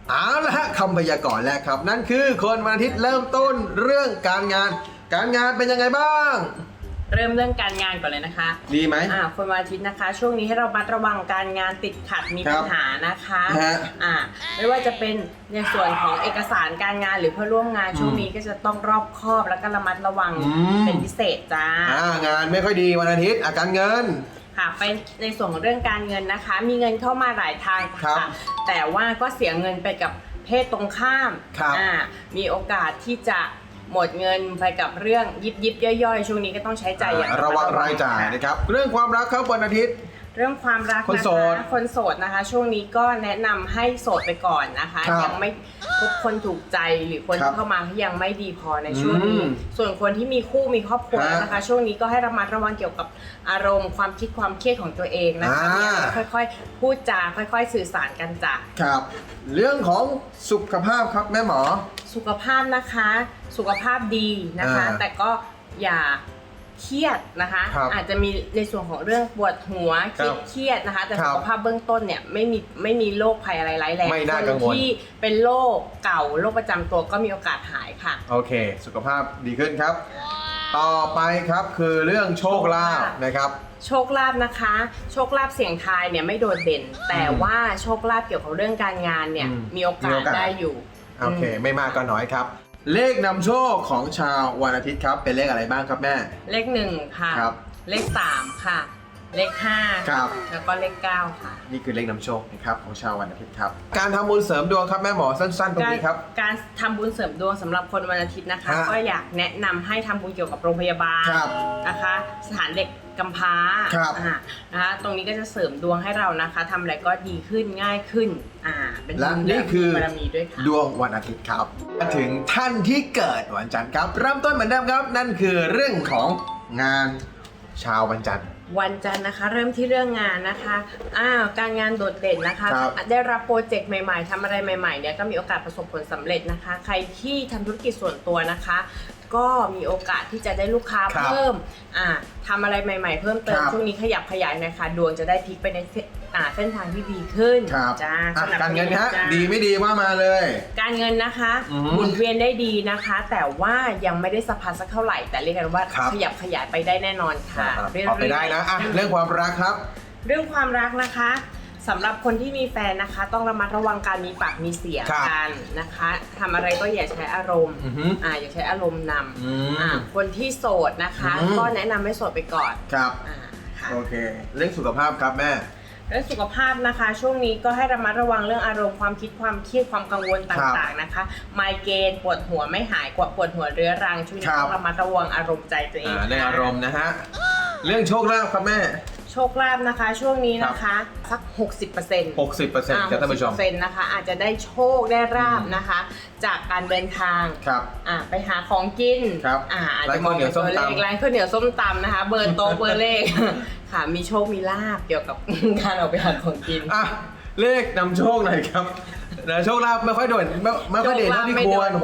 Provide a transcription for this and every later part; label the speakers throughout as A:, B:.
A: เอาละฮะคำพยากรณ์แรกครับนั่นคือคนวันอาทิตย์เริ่มต้นเรื่องการงานเป็นยังไงบ้าง
B: เริ่มเรื่องการงานก่อนเลยนะคะ
A: ดีไหม
B: คนวันอาทิตย์นะคะ ช่วงนี้ให้เราระมัดระวังการงานติดขัดมีปัญหานะคะไม่ว่าจะเป็นในส่วนของเอกสารการงานหรือเพื่อร่วมงานช่วงนี้ก็จะต้องรอบคอบแล้วก็ระมัดระวังเป็นพิเศษจ้
A: างานไม่ค่อยดีวันอาทิตย์การเงิน
B: ค่ะไปในส่วนของเรื่องการเงินนะคะมีเงินเข้ามาหลายทางค่ะแต่ว่าก็เสียเงินไปกับเพศตรงข้ามมีโอกาสที่จะหมดเงินไปกับเรื่องยิบย่อยๆช่วงนี้ก็ต้องใช้จ่ายอย่าง
A: ระวังรายจ่ายนะครับเรื่องความรักครับวันอาทิตย์
B: เรื่องความรักนะคะคนโสดนะคะช่วงนี้ก็แนะนำให้โสดไปก่อนนะคะยังไม่พบคนถูกใจหรือคนที่เข้ามาที่ยังไม่ดีพอในช่วงนี้ส่วนคนที่มีคู่มีครอบครัวนะคะช่วงนี้ก็ให้ระมัดระวังเกี่ยวกับอารมณ์ความคิดความเครียดของตัวเองนะคะค่อยๆพูดจาค่อยๆสื่อสารกันจ้ะ
A: ครับเรื่องของสุขภาพครับแม่หมอ
B: สุขภาพนะคะสุขภาพดีนะคะแต่ก็อย่าเครียดนะคะอาจจะมีในส่วนของเรื่องปวดหัวเครียดนะคะแต่สุขภาพเบื้องต้นเนี่ยไม่มีโรคภัยอะไรร้ายแรงคนที่เป็นโรคเก่าโรคประจำตัวก็มีโอกาสหายค่ะ
A: โอเคสุขภาพดีขึ้นครับต่อไปครับคือเรื่องโชคลาภนะครับ
B: โชคลาภนะคะโชคลาภเสี่ยงทายเนี่ยไม่โดดเด่นแต่ว่าโชคลาภเกี่ยวกับเรื่องการงานเนี่ยมีโอกาสได้อยู่
A: โอเคไม่มากก็น้อยครับเลขนำโชคของชาววันอาทิตย์ครับเป็นเลขอะไรบ้างครับแม่
B: เลข1ค่ะเลข3ค่ะเลข5
A: ครับ
B: แล้วก็เลข9ค่ะ
A: นี่คือเลขนำโชคนะครับของชาววันอาทิตย์ครับการทำบุญเสริมดวงครับแม่หมอสั้นๆตรงนี้ครับ
B: การทำบุญเสริมดวงสำหรับคนวันอาทิตย์นะคะก็อยากแนะนำให้ทำบุญเกี่ยวกับโรงพยาบาลนะคะสถานเด็กกำพร้านะคะตรงนี้ก็จะเสริมดวงให้เรานะคะทำอะไรก็ดีขึ้นง่ายขึ้น
A: เป็นและนี่คือบารมีด้วยค่ะดวงวันอาทิตย์ครับมาถึงท่านที่เกิดวันจันทร์ครับเริ่มต้นเหมือนเดิมครับนั่นคือเรื่องของงานชาววันจันทร์
B: นะคะเริ่มที่เรื่องงานนะคะการงานโดดเด่นนะคะได้รับโปรเจกต์ใหม่ๆทำอะไรใหม่ๆเนี่ยก็มีโอกาสประสบผลสำเร็จนะคะใครที่ทำธุรกิจส่วนตัวนะคะก็มีโอกาสที่จะได้ลูกค้าเพิ่มทำอะไรใหม่ๆเพิ่มเติมช่วงนี้ขยับขยายนะคะดวงจะได้พลิกไปในเส้นทางที่ดีขึ้น
A: จ้าการเงินฮะดีไม่ดีว่ามาเลย
B: การเงินนะคะหมุนเวียนได้ดีนะคะแต่ว่ายังไม่ได้สะพัดสักเท่าไหร่แต่เรียกกันว่าขยับขยายไปได้แน่นอนค่ะ
A: พอไปได้นะเรื่องความรักครับ
B: เรื่องความรักนะคะสำหรับคนที่มีแฟนนะคะต้องระมัดระวังการมีปากมีเสียงกันนะคะทำอะไรก็อย่าใช้อารมณ์อย่าใช้อารมณ์นำคนที่โสดนะคะก็แนะนำให้โสดไปก่อน
A: ครับโอเคเรื่องสุขภาพครับแม่
B: เรื่องสุขภาพนะคะช่วงนี้ก็ให้ระมัดระวังเรื่องอารมณ์ความคิดความเครียดความกังวลต่างๆนะคะไมเกรนปวดหัวไม่หายปวดหัวเรื้อรังช่วงนี้ต้องระมัดระวังอารมณ์ใจตัวเอง
A: เรื่องอารมณ์นะฮะเรื่องโชคลาภครับแม่
B: โชคลาภนะคะช่วงนี้นะคะสัก 60%
A: ครับท่านผู้ชม
B: 60%นะคะอาจจะได้โชคได้ราบนะคะจากการเดินทางไปหาของกินอาจจะมองเป็นตัวเลขร้านข้าวเหนียวส้มตำนะคะเบอร์โต๊ะเบอร์เลขค่ะมีโชคมีลาภเกี่ยวกับการออกไปหาของกิน
A: เลขนำโชคหน่อยครับโชคลาภไม่ค่อยโดดไม่ค่อยเด่นเท่าที่ควร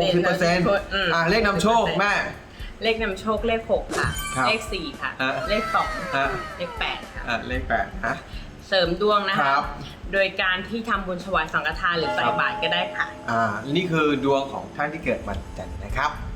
A: 60%เลขนำโชคแม่
B: เลขนำโชคเลข6ค่ะเลข4ค่ะเลข2เลข8ค่ะ
A: เลข8
B: เสริมดวงนะคะโดยการที่ทำบุญถวายสังฆทานหรือใส่บาตรก็ได้ค่ะ
A: นี่คือดวงของท่านที่เกิดวันจันทร์นะครับ